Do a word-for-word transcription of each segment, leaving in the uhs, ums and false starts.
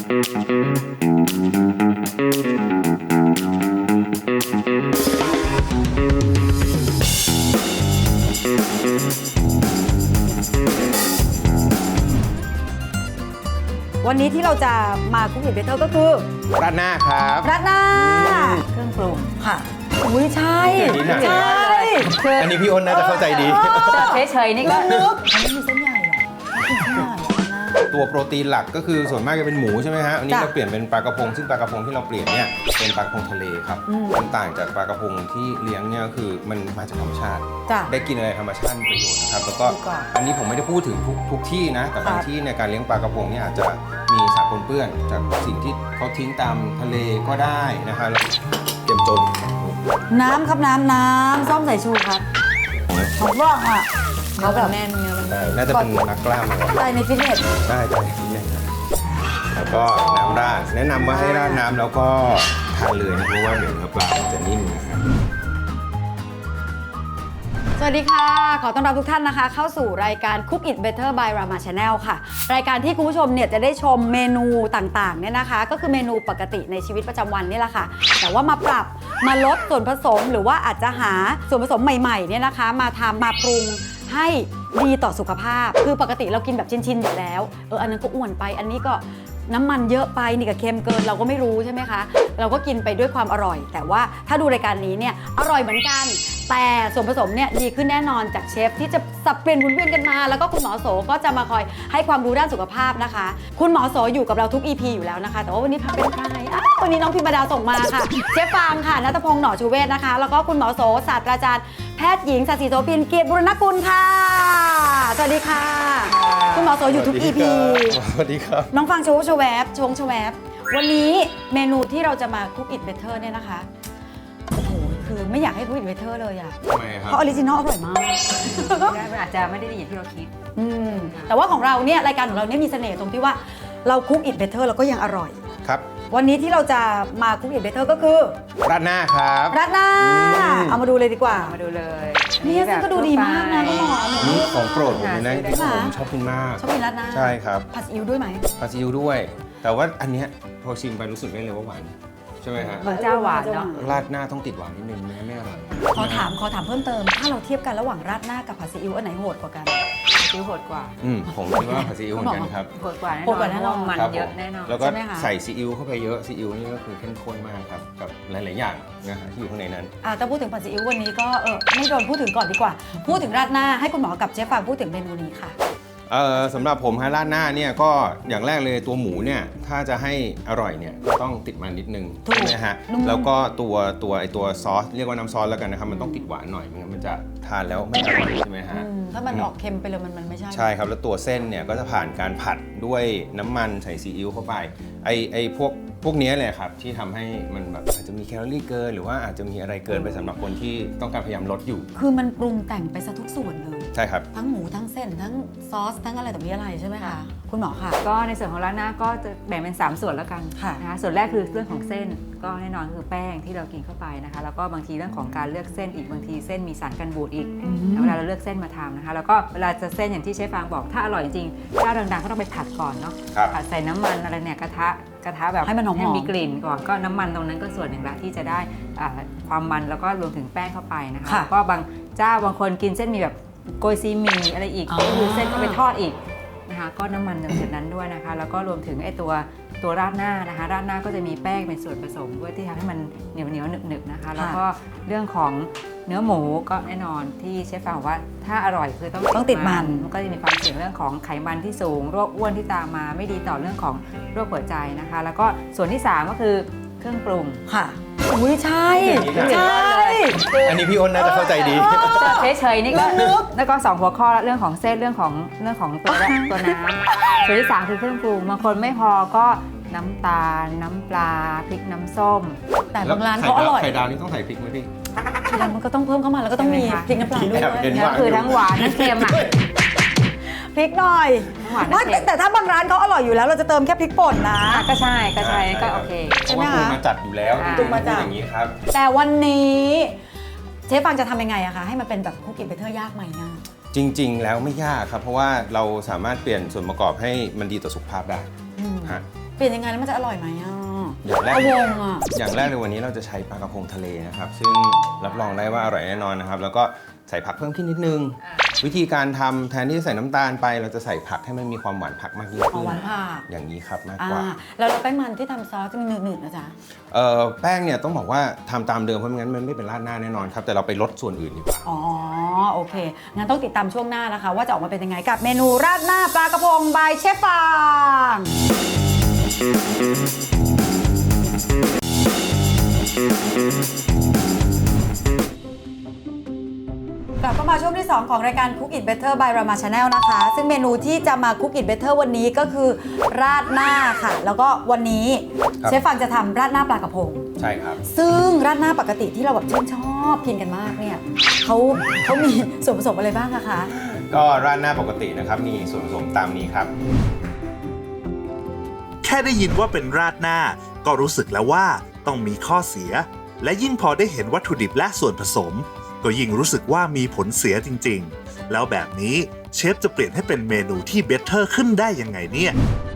วันนี้ที่เราจะมาคุกกิ้งเบเตอร์ก็คือราดหน้าครับราดหน้าเครื่องปรุงค่ะอุ้ยใช่ใช่อันนี้พี่อ้นน่าจะเข้าใจดีเฉยๆนี่ก็นึกอันนี้มีเส้นใหญ่เหรอเส้นใหญ่ตัวโปรตีนหลักก็คือส่วนมากจะเป็นหมูใช่ไหมฮะอันนี้เราเปลี่ยนเป็นปลากระพงซึ่งปลากระพงที่เราเปลี่ยนเนี่ยเป็นปลากระพงทะเลครับมันต่างจากปลากระพงที่เลี้ยงเนี่ยก็คือมันมาจากธรรมชาติได้กินอะไรธรรมชาติมีประโยชน์นะครับแล้วก็อันนี้ผมไม่ได้พูดถึงทุกทุกที่นะแต่บางที่ในการเลี้ยงปลากระพงเนี่ยอาจจะมีสารปนเปื้อนจากสิ่งที่เขาทิ้งตามทะเลก็ได้นะคะแล้วเก็บจนน้ำครับน้ำน้ำส้มสายชูครับผมว่าอ่ะเขาแบบแน่นเนื้อมันน่าจะเป็นนักกล้ามใช่ในฟิตเนสได้ใช่ในฟิตเนสแล้วก็น้ำราดแนะนำว่าให้ราดน้ำแล้วก็ทานเลยนะเพราะว่าเดี๋ยวเนื้อปลาจะนิ่มนะครับสวัสดีค่ะขอต้อนรับทุกท่านนะคะเข้าสู่รายการ Cook It Better by Rama Channel ค่ะรายการที่คุณผู้ชมเนี่ยจะได้ชมเมนูต่างๆเนี่ยนะคะก็คือเมนูปกติในชีวิตประจำวันนี่แหละค่ะแต่ว่ามาปรับมาลดส่วนผสมหรือว่าอาจจะหาส่วนผสมใหม่ๆเนี่ยนะคะมาทำมาปรุงให้ดีต่อสุขภาพคือปกติเรากินแบบชินๆอยู่แล้วเอออันนั้นก็อ้วนไปอันนี้ก็น้ำมันเยอะไปนี่ก็เค็มเกินเราก็ไม่รู้ใช่ไหมคะเราก็กินไปด้วยความอร่อยแต่ว่าถ้าดูรายการนี้เนี่ยอร่อยเหมือนกันแต่ส่วนผสมเนี่ยดีขึ้นแน่นอนจากเชฟที่จะสับเปลี่ยนหมุนเวียนกันมาแล้วก็คุณหมอโสก็จะมาคอยให้ความรู้ด้านสุขภาพนะคะคุณหมอโสอยู่กับเราทุก อี พี อยู่แล้วนะคะแต่ว่าวันนี้เป็นใครอ้าววันนี้น้องพิมดาส่งมาค่ะเชฟฟางค่ะณัฐพงษ์หน่อชูเวศนะคะแล้วก็คุณหมอโสศาสตราจารย์แพทย์หญิงศศิโสภินเกียรติบุรณกุลค่ะสวัสดีค่ะคุณหมอโสอยู่ทุก อี พีสวัสดีครับน้องฟังโชว์ชแวบชงชแวบวันนี้เมนูที่เราจะมา Cook It Better เนี่ยนะคะโอ้โหคือไม่อยากให้ Cook It Better เลยอะทำไมครับเพราะออริจินอลอร่อยมากมันอาจจะไม่ได้ดีอย่างที่เราคิดอืมแต่ว่าของเราเนี่ยรายการของเราเนี่ยมีเสน่ห์ตรงที่ว่าเรา Cook It Better แล้วก็ยังอร่อยครับวันนี้ที่เราจะมา Cook It Better ก็คือราดหน้าครับราดหน้าเอามาดูเลยดีกว่ามาดูเลยนี่ซึ่งก็ดูดีมากนะคุณหมอนี่ของโปรดผมเลยนะที่ผมชอบกินมากชอบกินราดหน้าใช่ครับผัดซีอิ๊วด้วยไหมผัดซีอิ๊วด้วยแต่ว่าอันเนี้ยพอชิมไปรู้สึกได้เลยว่าหวานใช่ไหมฮะเหมือนเจ้าหวานเนาะราดหน้าต้องติดหวานนิดนึงไม่งั้นไม่อร่อยขอถามขอถามเพิ่มเติมถ้าเราเทียบกันระหว่างราดหน้ากับผัดซีอิ๊วอันไหนโหดกว่ากันซีอิ๊วโหดกว่าอืมผมคิดว่าผัดซีอิ๊วเหมือนกันครับโหดกว่าแน่นอนมันเยอะแน่นอนแล้วก็ใส่ซีอิ๊วเข้าไปเยอะซีอิ๊วนี่ก็คือเข้มข้นมากครับกับหลายๆอย่างนะฮะที่อยู่ข้างในนั้นอ่าถ้าพูดถึงผัดซีอิ๊ววันนี้ก็เออไม่โดนพูดถึงก่อนดีกว่าพูดถึงราดหน้าให้คุณหมอกับเชฟฟางพูดถึงเมนูนี้ค่ะเอ่อสำหรับผมฮะราดหน้าเนี่ยก็อย่างแรกเลยตัวหมูเนี่ยถ้าจะให้อร่อยเนี่ยก็ต้องติดมันนิดนึงใช่ไหมฮะแล้วก็ตัวตัวไอตัวซอสเรียกว่าน้ำซอสแล้วกันนะครับมันต้องติดหวานหน่อยไม่งั้นมันจะทานแล้วไม่อร่อยใช่ไหมฮะถ้ามันออกเค็มไปเลยมันมันไม่ใช่ใช่ครับแล้วตัวเส้นเนี่ยก็จะผ่านการผัดด้วยน้ำมันใส่ซีอิ๊วเข้าไปไอไอพวกพวกนี้เลยครับที่ทำให้มันแบบอาจจะมีแคลอรี่เกินหรือว่าอาจจะมีอะไรเกินไปสำหรับคนที่ต้องการพยายามลดอยู่คือมันปรุงแต่งไปซะทุกส่วนเลยใช่ครับทั้งหมูทั้งเส้นทั้งซอสทั้งอะไรต่อมีอะไรใช่ไหมคะคุณหมอค่ะก็ในส่วนของราดหน้าก็จะแบ่งเป็นสามส่วนแล้วกันนะคะส่วนแรกคือเรื่องของเส้นก็แน่นอนคือแป้งที่เรากินเข้าไปนะคะแล้วก็บางทีเรื่องของการเลือกเส้นอีกบางทีเส้นมีสารกันบูดอีกเวลาเราเลือกเส้นมาทำนะคะแล้วก็เวลาจะเส้นอย่างที่เชฟฟางบอกถ้าอร่อยจริงๆเจ้าดังๆก็ต้องไปผัดก่อนเนาะผัดใส่น้ำมันอะไรเนี่ยกระทะกระทะแบบให้มันหอมมีกลิ่นก่อนก็น้ำมันตรงนั้นก็ส่วนหนึ่งละที่จะได้ความมันแล้วก็รวมถึงแป้งเข้าไปนะคะแล้วก็บางเจ้าบางคนกินเส้นมีแบบโกยซีหมี่อะไรอีกก็คือเส้นก็ไปทอดอีกนะคะก็น้ำมันจากจุดนั้นด้วยนะคะแล้วก็รวมถึงไอ้ตัวตัวราดหน้านะคะราดหน้าก็จะมีแป้งเป็นส่วนผสมด้วยที่ทำให้มันเหนียวเหนียวหนึบหนึบนะคะแล้วก็เรื่องของเนื้อหมูก็แน่นอนที่เชฟฟางบอกว่าถ้าอร่อยคือต้องต้องติดมันมันก็จะมีความเสี่ยงเรื่องของไขมันที่สูงโรคอ้วนที่ตามมาไม่ดีต่อเรื่องของโรคหัวใจนะคะแล้วก็ส่วนที่สามก็คือเครื่องปรุงค่ะอุ้ยใช่ใช่อันนี้พี่อ้นน่าจะเข้าใจดีเฉยๆนี่ก็แล้วก็สองหัวข้อเรื่องของเส้นเรื่องของเรื่องของตัวตัวน้ำส่วนที่สามคือเครื่องปรุงบางคนไม่พอก็น้ำตาลน้ำปลาพริกน้ำส้มแต่บางร้านเขาอร่อยไข่ดาวนี่ต้องใส่พริกไหมพี่ไข่ดาวมันก็ต้องเพิ่มเข้ามาแล้วก็ต้องมีพริกน้ำปลาด้วยคือทั้งหวานทั้งเค็มอ่ะพริกหน่อยแต่ถ้าบางร้านเขาอร่อยอยู่แล้วเราจะเติมแค่พริกป่นนะก็ใช่ก็ใช่ก็โอเคใช่ไหมคะมาจัดอยู่แล้วตุกมาจัดอย่างนี้ครับแต่วันนี้เชฟฟางจะทำยังไงอะคะให้มันเป็นแบบคุกกิ้งเบเตอร์ยากไหมนะจริงๆแล้วไม่ยากครับเพราะว่าเราสามารถเปลี่ยนส่วนประกอบให้มันดีต่อสุขภาพได้ฮะเปลี่ยนยังไงแล้วมันจะอร่อยไหมอ่ะอย่างแรกวงอ่ะอย่างแรกในวันนี้เราจะใช้ปลากระพงทะเลนะครับซึ่งรับรองได้ว่าอร่อยแน่นอนนะครับแล้วก็ใส่ผักเพิ่มขึ้นนิดนึงวิธีการทำแทนที่จะใส่น้ำตาลไปเราจะใส่ผักให้มันมีความหวานผักมากยิ่งอ๋อขึ้นหวานผักอย่างนี้ครับมากอ่ากว่าแล้วเราแป้งมันที่ทำซอสจะมีหนืดๆนะจ๊ะเอ่อแป้งเนี่ยต้องบอกว่าทำตามเดิมเพราะไม่งั้นมันไม่เป็นราดหน้าแน่นอนครับแต่เราไปลดส่วนอื่นดีกว่าอ๋อโอเคงั้นต้องติดตามช่วงหน้านะคะ ว่าจะออกมาเป็นยังไงกับเมนูราดหน้าปลากระพงบายเชฟฟางกลับเข้ามาช่วงที่ สอง ของรายการ Cook It Better by Rama Channel นะคะ ซึ่งเมนูที่จะมา Cook It Better วันนี้ก็คือราดหน้าค่ะ แล้วก็วันนี้ครับเชฟฟังจะทำราดหน้าปลากระพงใช่ครับซึ่งราดหน้าปกติที่เราแบบชื่นชอบกินกันมากเนี่ยเขาเขามีส่วนผสมอะไรบ้างอะคะก็ราดหน้าปกตินะครับมีส่วนผสมตามนี้ครับแค่ได้ยินว่าเป็นราดหน้าก็รู้สึกแล้วว่าต้องมีข้อเสีย และยิ่งพอได้เห็นวัตถุดิบและส่วนผสม ก็ยิ่งรู้สึกว่ามีผลเสียจริงๆ แล้วแบบนี้เชฟจะเปลี่ยนให้เป็นเมนูที่เบเตอร์ขึ้นได้ยังไงเนี่ย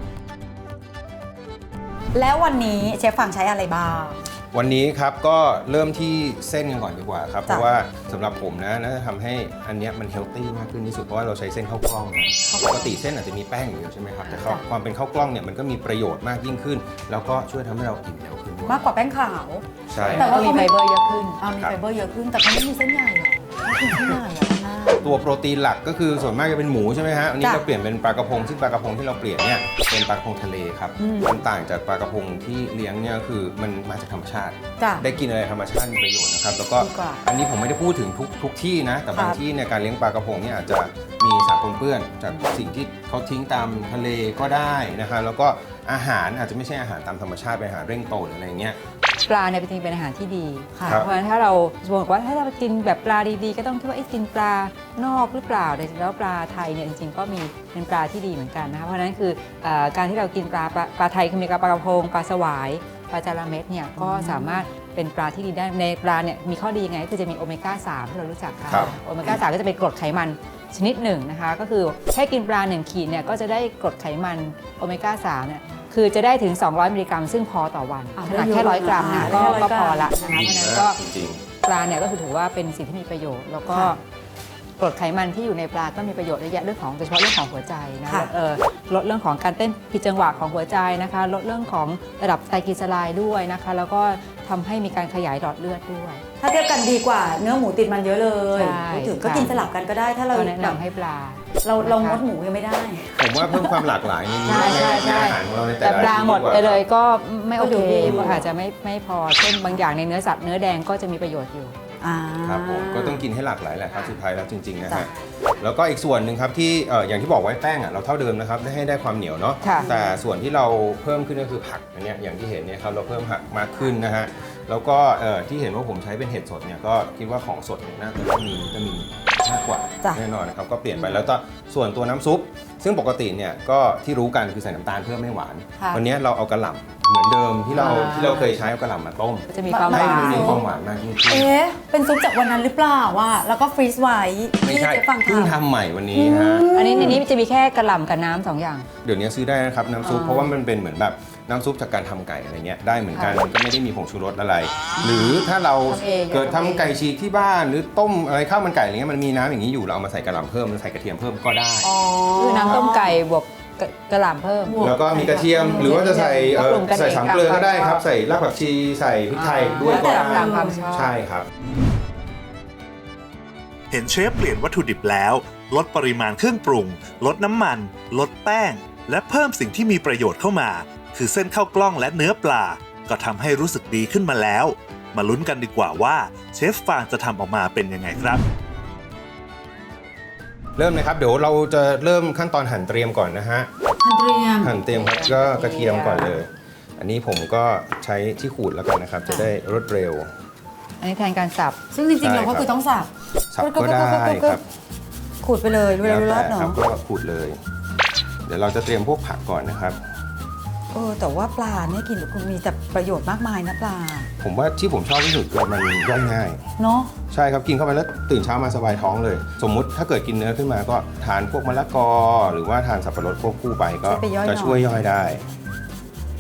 แล้ววันนี้เชฟฟังใช้อะไรบ้างวันนี้ครับก็เริ่มที่เส้นกันก่อนดีกว่าครับเพจ้ะราะว่าสำหรับผมนะน่าจะทำให้อันเนี้ยมันเฮลตี้มากขึ้นที่สุดเพราะว่าเราใช้เส้นข้าวกล้องนะปกติเส้นอาจจะมีแป้งอยู่ใช่ไหมครับแต่ข้าวความเป็นข้าวกล้องเนี่ยมันก็มีประโยชน์มากยิ่งขึ้น แล้วก็ช่วยทำให้เราอิ่มเร็วขึ้นด้วยมากกว่าแป้งขาวใช่แต่ก็มีไฟเบอร์เยอะขึ้นอ่ามีไฟเบอร์เยอะขึ้นแต่เขาไม่มีเส้นใหญ่หรอไม่มีเส้นใหญ่หรอหน้าตัวโปรตีนหลักก็คือส่วนมากจะเป็นหมูใช่ไหมฮะอันนี้จ้ะเราเปลี่ยนเป็นปลากระพงซึ่งปลากระพงที่เราเปลี่ยนเนี่ยเป็นปลากระพงทะเลครับอืมมันต่างจากปลากระพงที่เลี้ยงเนี่ยคือมันมาจากธรรมชาติจ้ะได้กินอะไรธรรมชาติมีประโยชน์นะครับแล้วก็ดีกว่าอันนี้ผมไม่ได้พูดถึงทุกทุกที่นะแต่บางครับที่เนี่ยการเลี้ยงปลากระพงเนี่ยอาจจะมีสารปนเปื้อนจากสิ่งที่เขาทิ้งตามทะเลก็ได้นะคะแล้วก็อาหารอาจจะไม่ใช่อาหารตามธรรมชาติเป็นอาหารเร่งโตหรืออะไรเงี้ยปลาเนี่ยจริงๆเป็นอาหารที่ดีค่ะครับเพราะฉะนั้นถ้าเราบอกว่าถ้าเรากินแบบปลาดีๆ ก็ต้องคิดว่าไอ้กินปลานอกหรือเปล่าแต่จริงๆแล้วปลาไทยเนี่ยจริงๆก็มีเป็นปลาที่ดีเหมือนกันนะคะเพราะฉะนั้นคือเอ่อการที่เรากินปลาปลาปลาไทยคือมีปลากระพงปลาสวายปลาจาระเม็ดเนี่ยก็สามารถเป็นปลาที่ดีได้ในปลาเนี่ยมีข้อดียังไงก็คือจะมีโอเมก้าสามที่เรารู้จักค่ะครับโอเมก้าสามก็จะเป็นกรดไขมันชนิดหนึ่งนะคะก็คือแค่กินปลาหนึ่งขีดเนี่ยก็จะได้กรดไขมันโอเมก้าสามเนี่ยคือจะได้ถึง สองร้อย มิลลิกรัม ซึ่งพอต่อวันอ่าขนาดแค่ร้อยกรัมอ่านะได้ก็ร้อยก็กรัมพอละนะคะเพราะฉะนั้นก็จริงปลาเนี่ยก็คือถือว่าเป็นสิ่งที่มีประโยชน์ แล้วก็ค่ะกรดไขมันที่อยู่ในปลาก็มีประโยชน์เยอะแยะเรื่องของโดยเฉพาะเรื่องของหัวใจนะค่ะเออลดเรื่องของการเต้นผิดจังหวะของหัวใจนะคะลดเรื่องของระดับไตรกลีเซอไรด์ด้วยนะคะแล้วก็ทำให้มีการขยายหลอดเลือดด้วยถ้าเทียบกันดีกว่าเนื้อหมูติดมันเยอะเลยใช่พูดถึงก็ค่ะกินสลับกันก็ได้ถ้าเราก็แนะแบบนำให้ปลาเราเรางนะคะดหมูยังไม่ได้ๆผมว่าเพิ่มความหลากหลายในนี้ใช่ใช่ใช่ในอาหารของเราในแต่แต่ละปลาหมดไปเลยก็ไม่โอก็ดูเคดีเพราะอาจจะไม่ไม่พอเช่นบางอย่างในเนื้อสัตว์เนื้อแดงก็จะมีประโยชน์อยู่อ่าครับผมก็ต้องกินให้หลากหลายแหละครับสุดท้ายแล้วจริงๆนะจ้ะฮะแล้วก็อีกส่วนหนึ่งครับที่เอ่ออย่างที่บอกไว้แป้งอ่ะเราเท่าเดิมนะครับได้ให้ได้ความเหนียวเนาะค่ะแต่ส่วนที่เราเพิ่มขึ้นก็คือผักอันเนี้ยอย่างที่เห็นเนี่ยครับเราเพิ่มผักมากขึ้นนะฮะแล้วก็เอ่อที่เห็นว่าผมใช้เป็นเห็ดสดเนี่ยก็คิดว่าของสดเนี่ยน่าจะต้องมีวิตามินมากกว่าจ้ะแน่นอนนะครับก็เปลี่ยนไปแล้วก็ส่วนตัวน้ำซุป ซึ่งปกติเนี่ยก็ที่รู้กันคือใส่น้ำตาลเพื่อไม่หวานค่ะวันนี้เราเอากระหล่ำเหมือนเดิมที่เราอ่าที่เราเคยใช้เอากระหล่ำมาต้มจะมีความหให้วมันมีนความหวานมากยิ่งขึ้นเอ๊ะเป็นซุปจากวันนั้นหรือเปล่าว่าแล้วก็ฟรีซไว้ไม่ที่ใช่เจ๊ฟังเพิ่งทำทำใหม่วันนี้ฮะอันนี้ในนี้จะมีแค่กระหล่ำกับน้ำสองอย่างเดี๋ยวนี้ซื้อได้นะครับน้ำซุปอ๋อเพราะว่ามันเป็นเหมือนแบบน้ำซุปจากการทำไก่อะไรเงี้ยได้เหมือนกันค่ะมันก็ไม่ได้มีผงชูรสอะไร หรือถ้าเราทำเองเกิดทำทำเองไก่ฉีกที่บ้านหรือต้มอะไรข้าวมันไก่อะไรเงี้ยมันมีน้ำอย่างนี้อยู่เราเอามาใส่กระหล่ำเพิ่มหรือใส่กระเทียมเพิ่มก็ได้อ๋อคือน้ำต้มไก่บวกกระกระหล่ำเพิ่มบวแล้วก็มีกระเทียมหรือว่าจะใส่เอ่อปรุงกันเองใส่สามเกลือก็ได้ครับตามความชอบใส่รากผักชีใส่พริกไทยด้วยก็แล้วแต่ได้ตามความชอบใช่ครับเห็นเชฟเปลี่ยนวัตถุดิบแล้ว ลดปริมาณเครื่องปรุง ลดน้ำมัน ลดแป้ง และเพิ่มสิ่งที่มีประโยชน์เข้ามา คือเส้นข้าวกล้องและเนื้อปลา ก็ทำให้รู้สึกดีขึ้นมาแล้ว มาลุ้นกันดีกว่าว่าเชฟฟางจะทำออกมาเป็นยังไงครับเริ่มเลยครับเดี๋ยวเราจะเริ่มขั้นตอนหั่นเตรียมก่อนนะฮะทันเตรียมหั่นเตรียมครับก็กระเทียมก่อนเลย อันนี้ผมก็ใช้ที่ขูดแล้วกันนะครับ จะได้รวดเร็วอันนี้แทนการสับซึ่งจริงๆใช่เราก็ครับคือต้องสับสับก็ได้ครับขูดไปเลยเวลาแล้วรอแต่ดเนาะครับก็ขูดเลย เดี๋ยวเราจะเตรียมพวกผักก่อนนะครับเออแต่ว่าปลาเนี่ยกินคุณมีแต่ประโยชน์มากมายนะปลาผมว่าที่ผมชอบที่สุดคือมันย่อยง่ายเนาะใช่ครับกินเข้าไปแล้วตื่นเช้ามาสบายท้องเลย สมมุติถ้าเกิดกินเนื้อขึ้นมาก็ทานพวกมะละกอ หรือว่าทานสับปะรดควบคู่ไปก็จะช่วยย่อยได้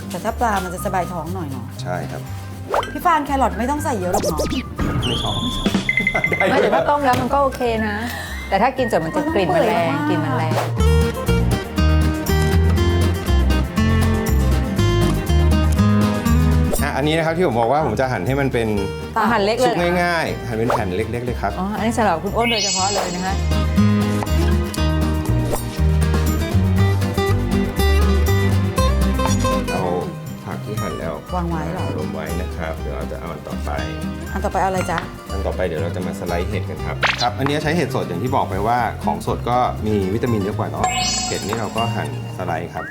แต่ถ้าปลามันจะสบายท้องหน่อยเนาะใช่ครับพี่ฟานแครอทไม่ต้องใส่เยอะหรอกเนาะไม่ชอบได้ไม่เลแต่ยถ้าต้มแล้วมันก็โอเคนะ แต่ถ้ากินสดมันจะกลิ่นมันแรงกลิ่นมันแรงอ่ะอันนี้นะครับที่ผมบอกว่าผมจะหั่นให้มันเป็นอาหารเล็กเลสุยกเหรอง่ายๆหั่นเป็นแผ่นเล็กๆเลยครับอ๋อ อันนี้สำหรับคุณอ้นโดยเฉพาะเลยนะคะเอาผักที่หั่นแล้ววางไว้เหรอรวมไว้นะครับเดี๋ยวเราจะเอาอันต่อไปอันต่อไปเอาอะไรจ๊ะอันต่อไปเดี๋ยวเราจะมาสไลด์เห็ดกันครับครับอันนี้ใช้เห็ดสดอย่างที่บอกไปว่าของสดก็มีวิตามินเยอะกว่าเนาะเห็ดนี่เราก็หั่นสไลด์ครับ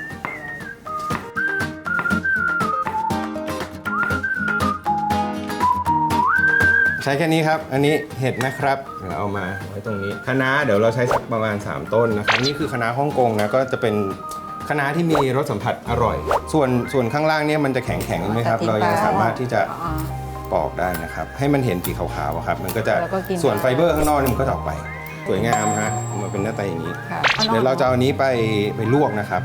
ใช้แค่นี้ครับอันนี้เห็ดนะครับเดี๋ยวเอามาไว้ตรงนี้คะน้าเดี๋ยวเราใช้สักประมาณสามต้นนะครับนี่คือคะน้าฮ่องกงนะก็จะเป็นคะน้าที่มีรสสัมผัสอร่อย ส่วนส่วนข้างล่างเนี่ยมันจะแข็งแข็งๆไหมครับเรายังสามารถที่จะอ๋อปอกได้นะครับให้มันเห็นสีขาวๆอะครับมันก็จะแล้วก็กินส่วนไฟเบอร์ข้างนอกนี่มันก็จะออกไปสวยงามฮะมันเป็นหน้าตาอย่างนี้ค่ะเดี๋ยวเราจะเอาอันนี้ไปไปลวกนะครับ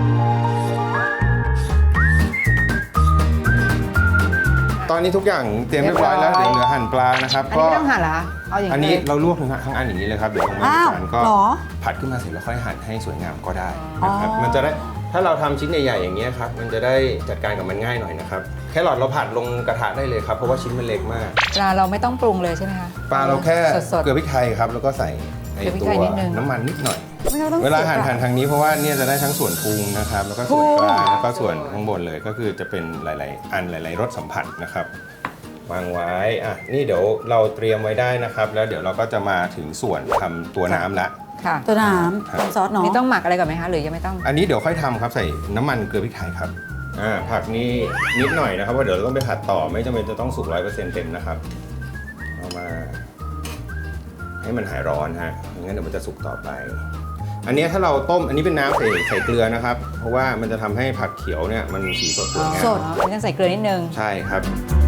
ตอนนี้ทุกอย่างเตรียมเรียบร้อยแล้วเรีเดี๋ยยวบร้อยเหลือหั่นปลานะครับอันนี้ไม่ต้องหั่นเหรอคะเอาอย่างอันนี้นี้เลยเราลวกทั้งทั้งอันอย่างนี้เลยครับเดี๋ยวลงมาอ้าวจานก็เหรอผัดขึ้นมาเสร็จแล้วค่อยหั่นให้สวยงามก็ได้นะครับอ๋อมันจะได้ถ้าเราทำชิ้นใหญ่ๆอย่างนี้ยครับมันจะได้จัดการกับมันง่ายหน่อยนะครับแครอทเราผัดลงกระทะได้เลยครับเพราะว่าชิ้นมันเล็กมากปลาเราไม่ต้องปรุงเลยใช่ไหมคะปลาเราแค่สดเกลือพริกไทยครับแล้วก็ใส่ไอเกลือพริกตัไทวยนิดนึงน้ำมันนิดหน่อยไม่ต้องเวลาสียหั่นปะหั่นทางนี้เพราะว่าเนี่ยจะได้ทั้งส่วนพุงนะครับแล้วก็ส่วนปลาพุงแล้วก็ส่วนข้างบนเลยก็คือจะเป็นหลาย ๆ อันหลาย ๆ รสสัมผัสนะครับวางไว้อ่ะนี่เดี๋ยวเราเตรียมไว้ได้นะครับ แล้วเดี๋ยวเราก็จะมาถึงส่วนทำตัวน้ำละค่ะตัวน้ำน้ำซอสเนาะนี่ต้องหมักอะไรก่อนไหมคะหรือยังไม่ต้องอันนี้เดี๋ยวค่อยทำครับใส่น้ำมันเกลือพริกไทยครับอ่าผักนี่นิดหน่อยนะครับว่าะเดี๋ยวเราต้องไปผัดต่อไม่จำเป็นจะต้องสุกร้อยเปอร์เซ็นต์เต็มนะครับเอามาให้มันหายร้อนฮะไม่งั้นเดี๋ยวมันจะสุกต่อไป อันนี้ถ้าเราต้มอันนี้เป็นน้ำใส่ใส่เกลือนะครับ เพราะว่ามันจะทำให้ผักเขียวเนี่ยมันสีสดสวยงามสดอ๋อต้องใส่เกลือนิดนึงใช่ครับ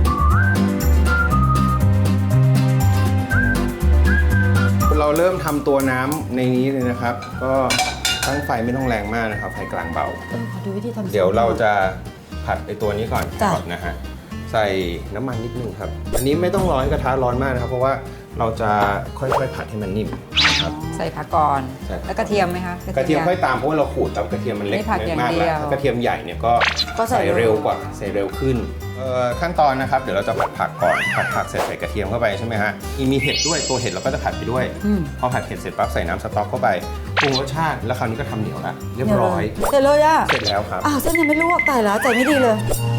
เราเริ่มทำตัวน้ำในนี้เลยนะครับ ก็ตั้งไฟไม่ต้องแรงมากนะครับไฟกลางเบาเออขอดูวิธีทำเดี๋ยวเราจะผัดไอตัวนี้ก่อนจ้ะก่อนนะฮะใส่น้ำมันนิดนึงครับ อันนี้ไม่ต้องร้อนกระทะร้อนมากนะครับ เพราะว่าเราจะค่อยๆผัดให้มันนิ่มนะครับใส่ผักก่อนใช่ครับแล้วกระเทียมไหมคะกระเทียมค่อยตามเพราะว่าเราขูดตามกระเทียมมันเล็กไม่ผัดอย่างมากเดีแล้วยวถ้ากระเทียมใหญ่เนี่ยก็ก็ใส่ใส่เร็วกว่าใส่เร็วขึ้นเอ่อขั้นตอนนะครับเดี๋ยวเราจะผัดผักก่อนผัดผักเสร็จใส่กระเทียมเข้าไปใช่ไหมฮะมีเห็ดด้วยตัวเห็ดเราก็จะผัดไปด้วยอืมพอผัดเห็ดเสร็จปั๊บใส่น้ำสต๊อกเข้าไปปรุงรสชาติแล้วคราวนี้ก็ทำเหนียวละเรียบร้อยเสร็จเลยอ่ะเสร็จแล้วครับอ้าวเส้นยังไม่ลวกตายแล้วใจไม่ดีเลย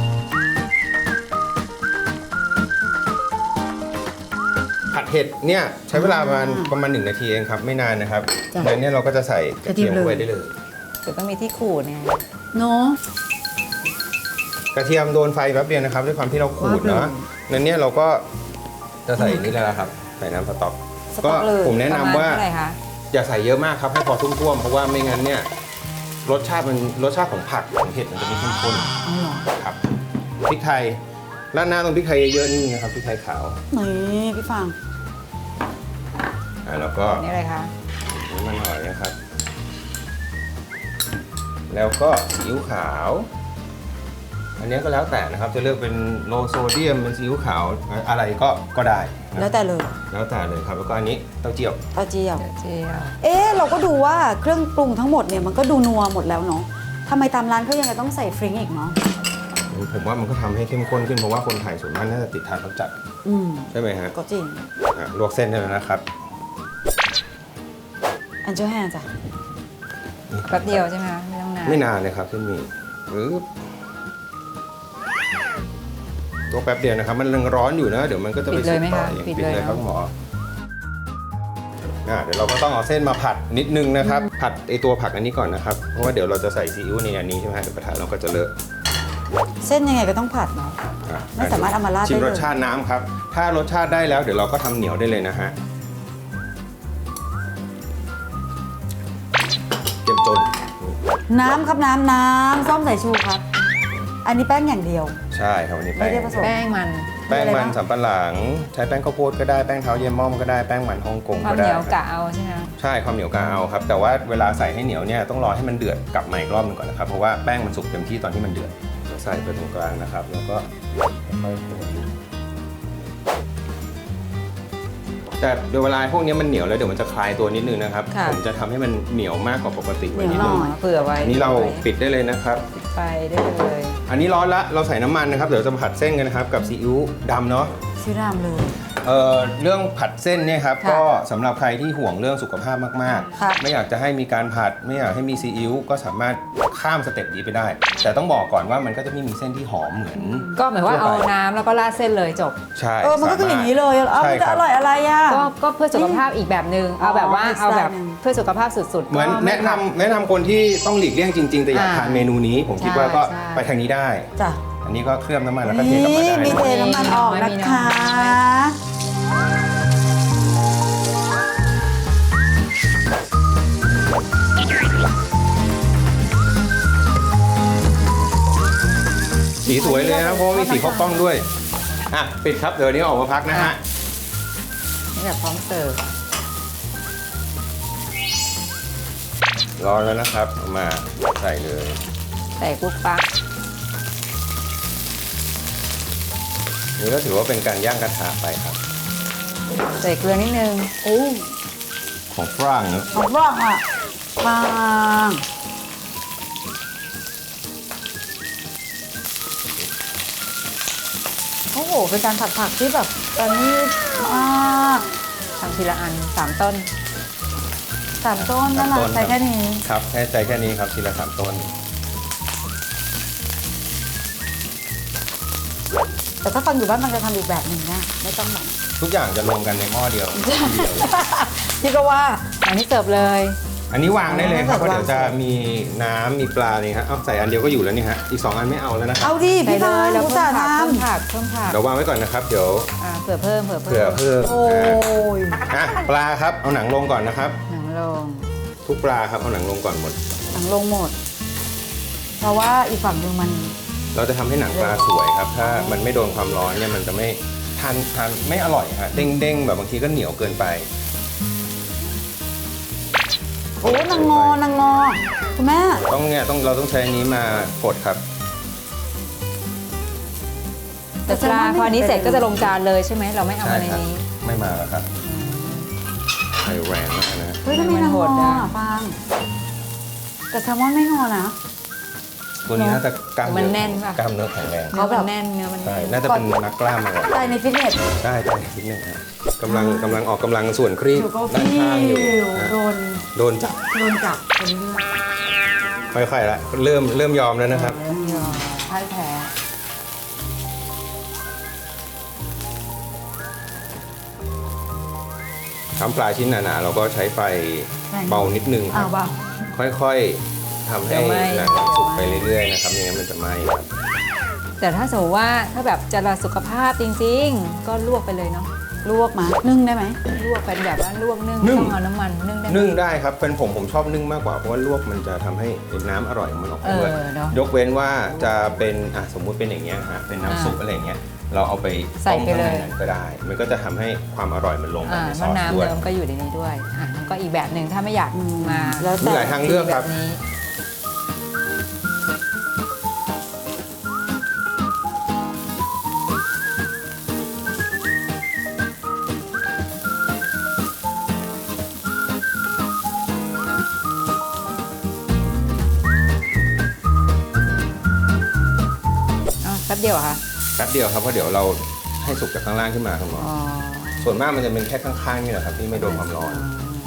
ผัดเห็ดเนี่ยใช้เวลาประมาณประมาณหนึ่งนาทีเองครับไม่นานนะครับจ้ะแล้วเนี่ยเราก็จะใส่กระเทียมกระเทียมเลยลงไปได้เลยเดี๋ยวต้องมีที่ขูดเนี่ยเนาะกระเทียมโดนไฟแป๊บเดียวนะครับด้วยความที่เราขูดว่าเนาะเลยนั้นเนี่ยเราก็จะใส่นี่แล้วครับใส่น้ำสต๊อกสต๊อกเลยผมแนะนำว่าประมณเท่าไหร่คะอย่าใส่เยอะมากครับให้พอท่วมๆเพราะว่าไม่งั้นเนี่ยรสชาติมันรสชาติของผักของเห็ดมันจะไม่เข้มข้นอ๋อเหรอครับพริกไทยราดหน้าตรงพริกไทยเยอะๆนี่นะครับพริกไทยขาวนี่พี่ฟางอ่าแล้วก็นี่อะไรคะน้ำมันหอยนะครับ แล้วก็ซีอิ๊วขาว อันนี้ก็แล้วแต่นะครับจะเลือกเป็นโลโซเดียมเป็นซีอิ๊วขาวอะไรก็ก็ได้นะแล้วแต่เลยแล้วแต่เลยครับแล้วก็อันนี้เต้าเจี้ยวเต้าเจี้ยวเดี๋ยวเจียวเอ๊ะเราก็ดูว่าเครื่องปรุงทั้งหมดเนี่ยมันก็ดูนัวหมดแล้วเนาะทำไมตามร้านเขายังไงต้องใส่ฟริงอีกเนาะผมว่ามันก็ทำให้เข้มข้นขึ้นเพราะว่าคนไทยส่วนมากน่าจะติดทานรสจัดอืมใช่ไหมฮะก็จริงอ่ะลวกเส้นได้แล้วนะครับอันเจ้าแฮจ้ะแป๊บเดียวใช่ไหมคะไม่ต้องนานไม่นานเลยครับเส้นหมี่ปึ๊บตัวแป๊บเดียวนะครับ มันยังร้อนอยู่นะ เดี๋ยวมันก็จะไปปิดเลยไหมสุกต่อคะเองปิดปิดเลยเลยครับเนอะหมออ่ะเดี๋ยวเราก็ต้องเอาเส้นมาผัดนิดนึงนะครับ ผัดไอตัวผักอันนี้ก่อนนะครับ เพราะว่าเดี๋ยวเราจะใส่ซีอิ๊วในอันนี้ใช่ไหมฮะเดี๋ยวกระทะเราก็จะเลอะเส้นยังไงก็ต้องผัดเนาะอ่ะไม่สามารถเอามาราดได้ชิมเลยรสชาติน้ำครับ ถ้ารสชาติได้แล้วเดี๋ยวเราก็ทำเหนียวได้เลยนะฮะเจ็มจนน้ำครับน้ำน้ำส้มสายชูครับ อันนี้แป้งอย่างเดียวใช่ครับวันนี้ไม่แป้งได้ผสมแป้งมันแป้งมีอะไรมันบ้างสำปะหลัง ใช้แป้งข้าวโพดก็ได้แป้งเท้าเยี่ยมม่อมก็ได้แป้งมันฮ่องกงความก็เหได้นียวกะเอาใช่ไหมคะใช่ความเหนียวกะเอาครับ แต่ว่าเวลาใส่ให้เหนียวเนี่ยต้องรอให้มันเดือดกลับมาอีกรอบหนึงก่อนนะครับเพราะว่าแป้งมันสุกเต็มที่ตอนที่มันเดือดใส่ไปตรงกลางนะครับแล้วก็ค่อยๆคนแต่โดยเวลาพวกนี้มันเหนียวแล้วเดี๋ยวมันจะคลายตัวนิดนึงนะครับค่ะผมจะทำให้มันเหนียวมากกว่าปกติเหไว้นียวนิดหน่นึงอยเผื่อไว้อันนี้เราปิดได้เลยนะครับไปได้เลยอันนี้ร้อนละเราใส่น้ำมันนะครับเดี๋ยวจะผัดเส้นกันนะครับกับซีอิ๊วดำเนาะชื่อรามเลยเอ่อเรื่องผัดเส้นเนี่ยครับค่ะก็สำหรับใครที่ห่วงเรื่องสุขภาพมากค่ะๆ ไม่อยากจะให้มีการผัดไม่อยากให้มีซีอิ๊วก็สามารถข้ามสเต็ปนี้ไปได้ แต่ต้องบอกก่อนว่ามันก็จะไม่มีเส้นที่หอมเหมือนก็หมายว่าทั่เอาวไปน้ำแล้วก็ราดเส้นเลยจบใช่เออมันก็คืออย่างนี้เลยเอ้าใช่มันจะคอรับร่อยอะไรอ่ะก็ก็เพื่อสุขภาพอีกแบบหนึ่งเอาแบบว่าอ๋อเอาแบบอีกสไตล์หนึ่งเพื่อสุขภาพสุดๆเหมือนก็ไแนะนำแนะนำคนที่ต้องหลีกเลี่ยงจริง ๆ แต่อยากอ่าทานเมนูนี้ ผมคิดว่าก็ใช่ไปทางนี้ได้จ้ะอันนี้ก็เคลือบน้ำมันแล้วก็เทกลับมานี่ได้มีนะเทน้ำมันออกนะคะสีสวยเลยนะเพราะว่ามีสีข้าวกล้องด้วยอ่ะปิดครับเดี๋ยววันนี้ออกมาพักนะฮะนี่แบบพร้อมเสิร์ฟร้อนแล้วนะครับเอามาใส่เลยใส่กุ๊กปั๊กนี่ก็ถือว่าเป็นการย่างกระทะไปครับใส่เกลือนิดนึงโอ้ของฝรั่งเนอะของฝรั่งอ่ะฟาง โอ้โห เป็นการผัดผักที่แบบตอนนี้มากทำทีละอันสามต้นสามต้นนั่นแหละใส่แค่นี้ครับแค่ใจแค่นี้ครับทีละสามต้นแต่ถ้าฟังอยู่บ้านมันจะทำอีกแบบหนึ่งนะไม่ต้องแบบทุกอย่างจะรวมกันในหม้อเดียวทีเดียวเลยพี่ก็ว่าอันนี้เสิร์ฟเลยอันนี้วางได้เลยครับเพวางราะเดี๋ยวจะมีน้ำมีปลานี่ครับเอาใส่อันเดียวก็อยู่แล้วนี่ฮะอีกสองอันไม่เอาแล้วนะครับเอาดิใส่พี่เลฟางยแล้วรู้เพิ่จัมกผักทเพิ่มผักเพิ่มผักเดี๋ยววางไว้ก่อนนะครับเดี๋ยวอ่าเผื่อเพิ่มเผื่อเพิ่เผื่อมเพิ่มำโอ้ยอ่ะปลาครับเอาหนังลงก่อนนะครับหนังลงทุกปลาครับเอาหนังลงก่อนหมดหนังลงหมด เพราะว่าอีกฝั่งหนึงมันเราจะทำให้หนังปลาสวยครับ ถ้ามันไม่โดนความร้อนเนี่ยมันจะไม่ทานทานไม่อร่อยฮะเด้งเด้งๆแบบบางทีก็เหนียวเกินไปโอ้นางงอนางงอคุณแม่ต้องเนี่ยต้องเราต้องใช้อันนี้มากดครับแต่ปลาพออันนี้เสร็จก็จะลงจานเลยใช่ไหมเราไม่เอามาในครับนี้ไม่มาแล้วครับไฟแรงมากนะเฮ้ยทำไมนางงออ่ะฟังแต่แซลมอนไม่งอนะตัวนี้น่าจะกล้ามมันเนื้อแน่นป่ะกล้ามเนื้อแข็งแรงเนื้อมันแน่นเนื้อมันใช่แน่นน่าจะเป็นนักกล้ามมาก่อนใส่ในฟิตเนสได้ได้นิดนึงครับกำลังกำลังออกกำลังส่วนครีบอยู่ก็ด้านพี่ข้างอยู่นะโดนโดนจับโดนจับเป็นเรื่องค่อยๆละเริ่มเริ่มยอมแล้วนะครับเรื่องยอมพ่ายแพ้ทำปลาชิ้นหนาๆเราก็ใช้ไฟเบานิดนึงคอ้ารัวบเปล่าค่อยๆทำให้หนังสุกไปเรื่อยๆนะครับไม่งั้นมันจะไหม้ครับแต่ถ้าสมมติว่าถ้าแบบจะรักสุขภาพจริงๆ ก็ลวกไปเลยเนาะลวกมานึ่งได้ไหมลวกเป็นแบบว่าลวกนึ่งนึ่งต้องเอาน้ำมันนึ่งได้ไหมนึ่งได้ครับเป็นผมผมชอบนึ่งมากกว่าเพราะว่าลวกมันจะทำให้น้ำอร่อยของมันออกมาด้วยเออเนอะยกเว้นว่าจะเป็นอ่ะสมมุติเป็นอย่างเงี้ยฮะเป็นน้ำซุปอะไรอย่างเงี้ยเราเอาไปใส่ต้มไปข้างเลในยนั้นก็ได้ มันก็จะทำให้ความอร่อยมันลงไปอ่าในซมะอสนาวด้วยเดิมก็อยู่ในนี้ด้วยอ่ะมันก็อีกแบบหนึ่งถ้าไม่อยากมาแล้วมีแต่หลายทางเลือกครับแบบนี้ อ๋อแป๊บเดียวเหรอคะแป๊บเดียวครับเพราะเดี๋ยวเราให้สุกจากข้างล่างขึ้นมาครับหมออ๋อส่วนมากมันจะเป็นแค่ข้างๆนี่แหละครับที่ไม่โดนความร้อน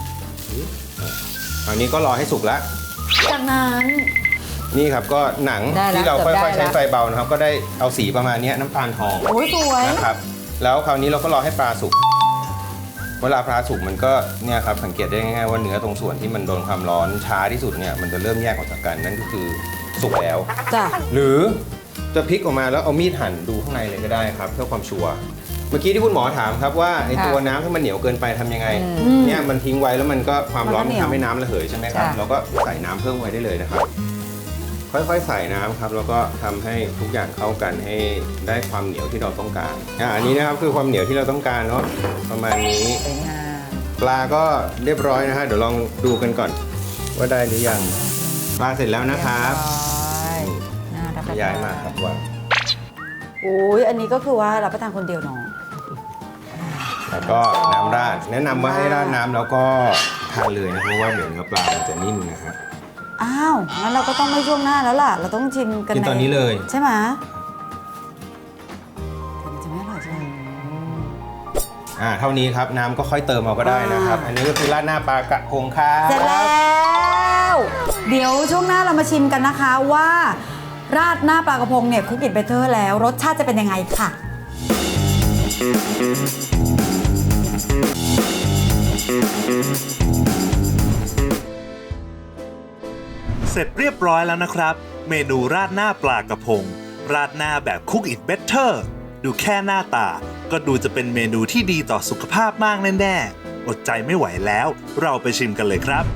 อันนี้ก็รอให้สุกแล้วจากนั้นนี่ครับก็หนังได้แล้วที่เราค่เกือบอยๆได้ใช้แล้วไฟเบานะครับก็ได้เอาสีประมาณเนี้ยน้ำตาลทองโอ้ยสวยนะครับแล้วคราวนี้เราก็รอให้ปลาสุกเวลาปลาสุกมันก็เนี่ยครับสังเกตได้ง่ายๆว่าเนื้อตรงส่วนที่มันโดนความร้อนช้าที่สุดเนี่ยมันจะเริ่มแยกออกจากกันนั่นก็คือสุกแล้วจ้ะหรือจะพลิกออกมาแล้วเอามีดหั่นดูข้างในเลยก็ได้ครับเพื่อความชัวร์เมื่อกี้ที่คุณหมอถามครับว่าไอ้ตัวน้ำถ้ามันเหนียวเกินไปทำยังไงอืมเนี่ยมันทิ้งไว้แล้วมันก็ความร้อนมัมัน นก็เหนียวทำให้น้ำระเหยใช่ไหมครับค่ะเราก็ใส่น้ำเพิ่มไว้ได้เลยนะครับ ค่อยๆใส่น้ำครับแล้วก็ทำให้ทุกอย่างเข้ากันให้ได้ความเหนียวที่เราต้องการอ่ะอันนี้นะครับคือความเหนียวที่เราต้องการเนาะประมาณนี้สวยงามปลาก็เรียบร้อยนะฮะเดี๋ยวลองดูกันก่อนว่าได้หรือยังปลาเสร็จแล้วนะครับเยบร้อยน่ารับประย้ายมาครับว่าโอ้ยอันนี้ก็คือว่ารับประทานคนเดียวเนาะแล้วก็น้ำราดแนะนำว่าให้ราดน้ำแล้วก็ทานเลยนะเพราะว่าเดี๋ยวเนื้อปลามันจะนิ่มนะฮะอ้าวงั้นเราก็ต้องไม่ช่วงหน้าแล้วล่ะเราต้องชิมกันกินตอนนี้เลยใช่ไหมแต่มันจะไม่อร่อยใช่ไหมอ่าเท่านี้ครับน้ำก็ค่อยเติมเอาก็ได้นะครับอ่าอันนี้ก็คือราดหน้าปลากระพงครับเสร็จแล้วเดี๋ยวช่วงหน้าเรามาชิมกันนะคะว่าราดหน้าปลากระพงเนี่ยคุกอิทเบเตอร์แล้วรสชาติจะเป็นยังไงค่ะเสร็จเรียบร้อยแล้วนะครับ เมนูราดหน้าปลากระพง ราดหน้าแบบ Cook It Better ดูแค่หน้าตา ก็ดูจะเป็นเมนูที่ดีต่อสุขภาพมากแน่ๆ อดใจไม่ไหวแล้ว เราไปชิมกันเลยครับ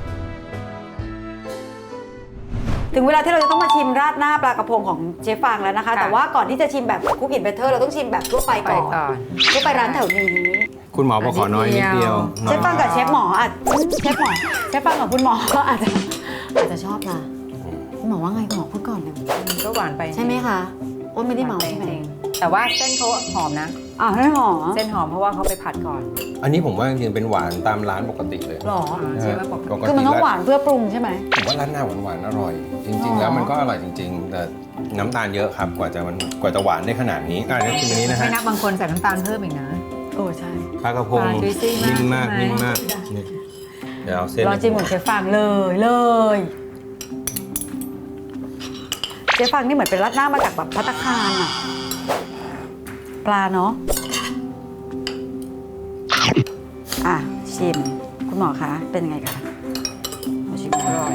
ถึงเวลาที่เราจะต้องมาชิมราดหน้าปลากระพงของเชฟฟางแล้วนะคะค่ะแต่ว่าก่อนที่จะชิมแบบคุกอิทเบเตอร์เราต้องชิมแบบทั่วไปไปก่อนก่อนทั่วไปร้านแถวนี้คุณหมอบอกขอน้อยนิดเดียวเชฟฟังกับเชฟหมออาจเชฟหมอเชฟฟังกับคุณหมอก็อาจจะอาจจะชอบนะคุณหมอว่าไงคุณหมอพูดก่อนเลยมันก็หวานไปใช่ไหมคะอ้นไม่ได้เมาหวานใช่ไปไหมจริงๆแต่ว่าเส้นเขาหอมนะอ่าวให้หมอเส้นหอมเพราะว่าเขาไปผัดก่อนอันนี้ผมว่าจริงๆเป็นหวานตามร้านปกติเลยหรอใช่ไหมปกติปกติคือมันต้องหวานเพื่อปรุงใช่ไหมผมว่าร้านหน้าหวานๆอร่อย จริงอ๋ๆอแล้วมันก็อร่อยจริง ๆ แต่น้ำตาลเยอะครับกว่าจะมันกว่าจะหวานได้ขนาดนี้อ่านี่ชิมอันนี้นะไม่ฮะนับบางคนใส่น้ำตาลเพิ่มอีกนะโอ้ใช่ปลากระพงปลา juicy มากนิ่มมากใช่ไหมนิ่มมากนี่เดี๋ยวเอาเส้นลองชิมของเชฟฟังเลยเลยเชฟฟังนี่เหมือนเป็นราดหน้ามาจากแบบภัตตาคารอะปลาเนาะอ่ะชิมคุณหมอคะเป็นยังไงคะมาชิมอร่อย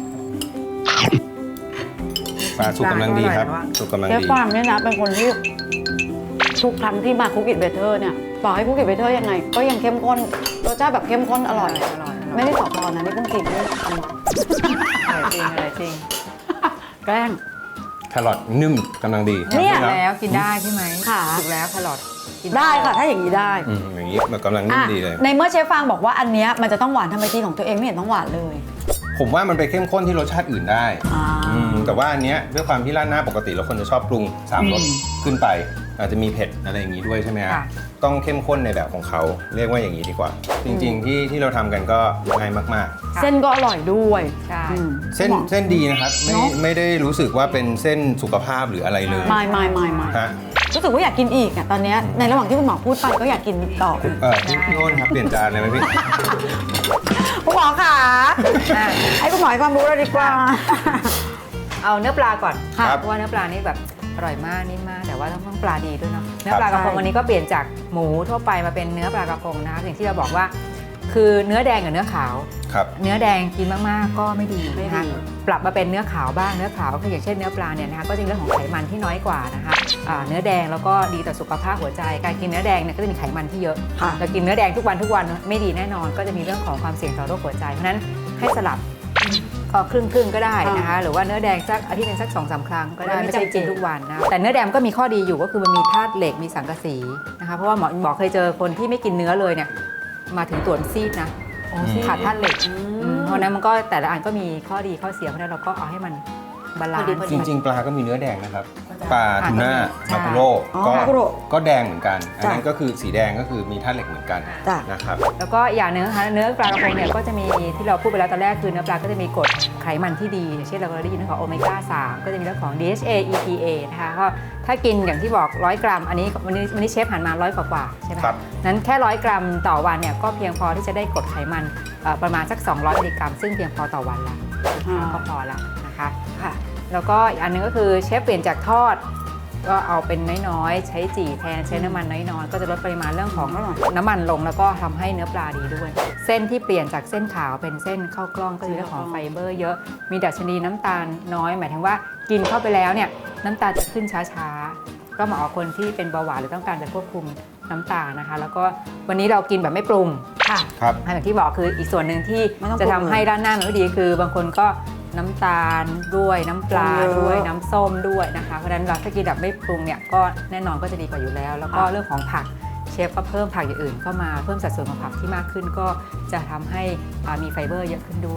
ปลาสุกกำลังดีครับปลาก็อร่อยนะสุกกำลังเชฟดีฟางเนี่ยนะเป็นคนที่ทุกครั้งที่มาคุกอิทเบเตอร์เนี่ยต่อให้คุกอิทเบเตอร์ยังไง ก็ยังเข้มข้นรสชาติแบบเข้มข้นอร่อยอร่อยอร่อยไม่ได้สอพอนะนี่เพิ่งกินด้วยทำอร่อยจริงอร่อยจริงแกล้งแครอทนุ่มกำลังดีเนี่ยครับแล้วกินได้ใช่ไหมค่ะถูกแล้วแครอทกินได้ค่ะ ถ้าอย่างนี้ได้อืมอย่างนี้มันกำลังนิ่มอ่ะดีเลยในเมื่อเชฟฟางบอกว่าอันเนี้ยมันจะต้องหวานทำไมกินของตัวเองไม่เห็นต้องหวานเลยผมว่ามันไปเข้มข้นที่รสชาติอื่นได้อ่าอืมแต่ว่าอันเนี้ยด้วยความที่ราดหน้าปกติเราคนจะชอบปรุงสามรสอืมขึ้นไป อาจจะมีเผ็ดอะไรอย่างนี้ด้วยใช่ไหมฮะค่ะต้องเข้มข้นในแบบของเขาเรียกว่าอย่างนี้ดีกว่า จริง ๆ ที่ที่เราทำกันก็ง่ายมากเส้นก็อร่อยด้วยใช่อืมๆ เส้นหมอเส้นดีนะครับไม่เนอะไม่ได้รู้สึกว่าเป็นเส้นสุขภาพหรืออะไรเลยไม่ไม่ไม่ไม่ฮะรู้สึกว่าอยากกินอีกอ่ะตอนเนี้ยในระหว่างที่คุณหมอพูดไปก็อยากกินต่อเออพี่พี่โอ้นครับเปลี่ยนจานเลยไหมพี่คุณหมอค่ะอ่ะให้คุณหมอให้ความรู้เราดีกว่าเอาเนื้อปลาก่อนค่ะเพราะว่าเนื้อปลานี่แบบอร่อยมากนิ่มมากแต่ว่าต้องต้องปลาดีด้วยเนาะเนื้อครับปลากระพงใช่วันนี้ก็เปลี่ยนจากหมูทั่วไปมาเป็นเนื้อปลากระพงนะคะอย่างที่เราบอกว่า คือเนื้อแดงกับเนื้อขาวครับเนื้อแดงกินมากๆก็ไม่ดีไม่นะคะดีปรับมาเป็นเนื้อขาวบ้างเนื้อขาวก็คืออย่างเช่นเนื้อปลาเนี่ยนะคะก็จะมีเรื่องของไขมันที่น้อยกว่านะคะอ่าเนื้อแดงแล้วก็ดีต่อสุขภาพหัวใจ การกินเนื้อแดงเนี่ยก็จะมีไขมันที่เยอะค่ะเรากินเนื้อแดงทุกวันทุกวันไม่ดีแน่นอน ก็จะมีเรื่องของความเสี่ยงต่อโรคหัวใจเพราะฉะนั้นให้สลับก็ครึ่งครึ่งๆก็ได้นะคะหรือว่าเนื้อแดงสักอาทิตย์หนึงสักสองสามครั้งก็ได้ไม่ไม่ใช่จำเป็กินนทุกวันนะแต่เนื้อแดงก็มีข้อดีอยู่ก็คือมันมีธาตุเหล็กมีสังกะสีนะคะเพราะว่าหมอหมอเคยเจอคนที่ไม่กินเนื้อเลยเนี่ยมาถึงตรวจซีดนะอ๋อสิขาดธาตุเหล็กอือืมมเพราะฉะนั้นมันก็แต่ละอันก็มีข้อดีข้อเสียเพราะฉะนั้นเราก็เอาให้มันบาลานพอดีซ์พอจดีริง ๆ ปลาก็มีเนื้อแดงนะครับปลาทูน่าใช่มาคุโรอ๋อก็มาคุโร่ก็แดงเหมือนกัน อันนั้นจ้ะก็คือสีแดงก็คือมีธาตุเหล็กเหมือนกันจ้ะนะครับแล้วก็อย่างหนึงนะคะเนื้อปลากระพงเนี่ยก็จะมีที่เราพูดไปแล้วตอนแรกคือเนื้อปลาก็จะมีกรดไขมันที่ดีอย่างเช่นเราก็ได้ยินเรื่องของโอเมก้าสามก็จะมีเรื่องของ ดี เอช เอ อี พี เอ นะคะก็ถ้ากินอย่างที่บอกร้อยกรัมอันนี้วันนี้วันนี้เชฟหันมาร้อยกว่าๆใช่ไหมครับนั้นแค่ร้อยกรัมต่อวันเนี่ยก็เพียงพอที่จะได้กรดไขมันเอ่อประมาณสักสองร้อยมิลลิกรัมซึ่งเพียงพอต่อวันละอ่าก็พอละนะคะค่ะแล้วก็อีกอันหนึงก็คือเชฟเปลี่ยนจากทอด ก็เอาเป็นน้อยๆ ใช้จี่แทนใช้น้ำมันน้อยๆ ก็จะลดปริมาณเรื่องของน้ำมันลงแล้วก็ทำให้เนื้อปลาดีด้วย เส้นที่เปลี่ยนจากเส้นขาวเป็นเส้นข้าวกล้องก็คือเรื่องของไฟเบอร์เยอะมีดัชนีน้ำตาลน้อย หมายถึงว่ากินเข้าไปแล้วเนี่ยน้ำตาลจะขึ้นช้าๆ ก็เหมาะกับคนที่เป็นเบาหวานหรือต้องการจะควบคุมน้ำตาลนะคะ แล้วก็วันนี้เรากินแบบไม่ปรุงค่ะครับอย่างที่บอกคืออีกส่วนหนึ่งที่ไม่ต้องปรุงจะทำให้ด้านหน้ามันไม่ดีคือบางคนก็น้ำตาลด้วยน้ำปลาปรุงเยอะด้วยน้ำส้มด้วยนะคะเพราะฉะนั้นเราถ้ากินแบบไม่ปรุงเนี่ยก็แน่นอนก็จะดีกว่าอยู่แล้ว แล้วก็ค่ะเรื่องของผักเชฟก็เพิ่มผักอย่างอื่นเข้ามาเพิ่มสัดส่วนของผักที่มากขึ้นก็จะทำให้อ่ามีไฟเบอร์เยอะขึ้นด้วย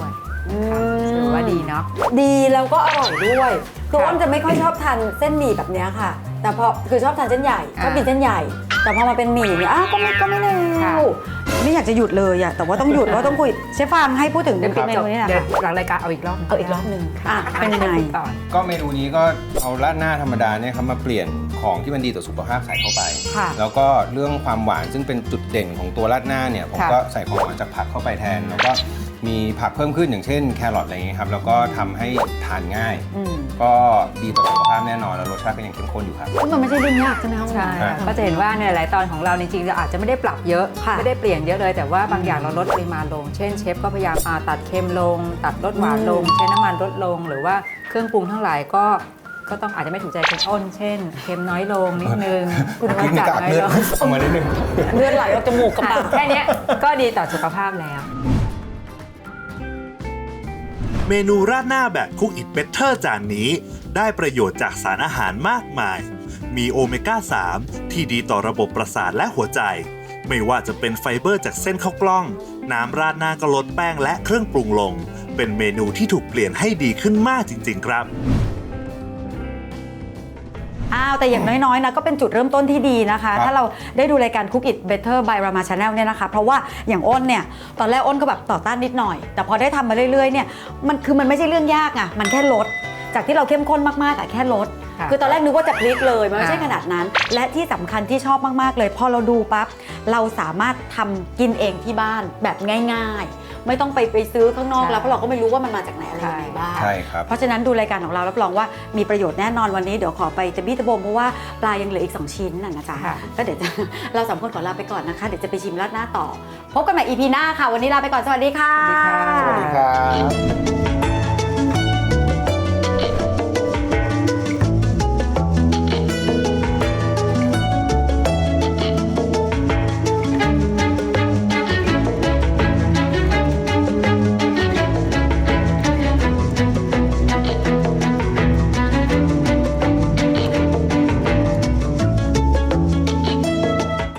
ถือว่าดีเนาะดีแล้วก็อร่อยด้วยคืออ้นจะไม่ค่อยชอบทานเส้นหมี่แบบเนี้ยค่ะ แต่พอคือชอบทานเส้นใหญ่ชอบกินเส้นใหญ่ แต่พอมาเป็นหมี่เนี่ยอ้าวก็ไม่ก็ไม่เลวไม่อยากจะหยุดเลยอะแต่ว่าต้องหยุดเพราะต้องคุยเชฟฟางให้พูดถึงเมนูนี้นะเดี๋ยวคะหลังรายการเอาอีกรอบเอาอีกรอบหนึ่งอ่ะเป็นยังไงต่อก็เมนูนี้ก็เอาราดหน้าธรรมดาเนี่ยครับมาเปลี่ยนของที่มันดีต่อสุขภาพใส่เข้าไปค่ะแล้วก็เรื่องความหวานซึ่งเป็นจุดเด่นของตัวราดหน้าเนี่ยผมก็ใส่ของหวานจากผักเข้าไปแทน แล้วก็มีผักเพิ่มขึ้นอย่างเช่นแครอทอะไรอย่างเงี้ยครับแล้วก็ทำให้ทานง่ายอืมก็ดีต่อสุขภาพแน่นอนแล้วรสชาติก็ยังเข้มข้นอยู่ครับมันไม่ใช่เรื่องยากใช่ไหมคะใช่ก็จะเห็นว่าในหลายตอนของเราจริงๆเราอาจจะไม่ได้ปรับเยอะค่ะไม่ได้เปลี่ยนเยอะเลย แต่ว่าบางอย่างเราลดปริมาณลง เช่นเชฟก็พยายามอ่าตัดเค็มลง ตัดรสหวานลง ใช้น้ำมันลดลง หรือว่าเครื่องปรุงทั้งหลายก็ก็ต้องอาจจะไม่ถูกใจคุณอ้น เช่นเค็มน้อยลงนิดนึงคุณภาพจัดน้อยลงออกมานิดนึงเลือดไหลออกจมูกกับปากแค่เนี้ยก็ดีต่อสุขภาพแล้วเมนูราดหน้าแบบ Cook It Better จานนี้ได้ประโยชน์จากสารอาหารมากมาย มีโอเมก้า สาม ที่ดีต่อระบบประสาทและหัวใจ ไม่ว่าจะเป็นไฟเบอร์จากเส้นข้าวกล้อง น้ำราดหน้าก็ลดแป้งและเครื่องปรุงลง เป็นเมนูที่ถูกเปลี่ยนให้ดีขึ้นมากจริงๆครับอ้าวแต่อย่างน้อยๆนะก็เป็นจุดเริ่มต้นที่ดีนะคะครับถ้าเราได้ดูรายการ Cook It Better by Rama Channel เนี่ยนะคะ เพราะว่าอย่างอ้นเนี่ยตอนแรกอ้นก็แบบต่อต้านนิดหน่อย แต่พอได้ทำมาเรื่อยๆเนี่ยมันคือมันไม่ใช่เรื่องยากอะมันแค่ลดจากที่เราเข้มข้นมากๆอะแค่ลดค่ะคือตอนแรกนึกว่าจะพลิกเลยมันไม่ใช่ค่ะขนาดนั้น และที่สำคัญที่ชอบมากๆเลยพอเราดูปั๊บเราสามารถทำกินเองที่บ้านแบบง่ายๆ ไม่ต้องไปไปซื้อข้างนอกแล้วเพราะเราก็ไม่รู้ว่ามันมาจากไหนอะไรยังไงบ้างใช่ครับเพราะฉะนั้นดูรายการของเรารับรองว่ามีประโยชน์แน่นอนวันนี้เดี๋ยวขอไปจะบี้ตะบมเพราะว่าปลายังเหลืออีกสองชิ้นน่ะนะจ๊ะค่ะก็เดี๋ยวจะ เราสามคนขอลาไปก่อนนะคะเดี๋ยวจะไปชิมราดหน้าต่อ พบกันใหม่ อี พี หน้าค่ะ วันนี้ลาไปก่อนสวัสดีค่ะสวัสดีค่ะสวัสดีครับ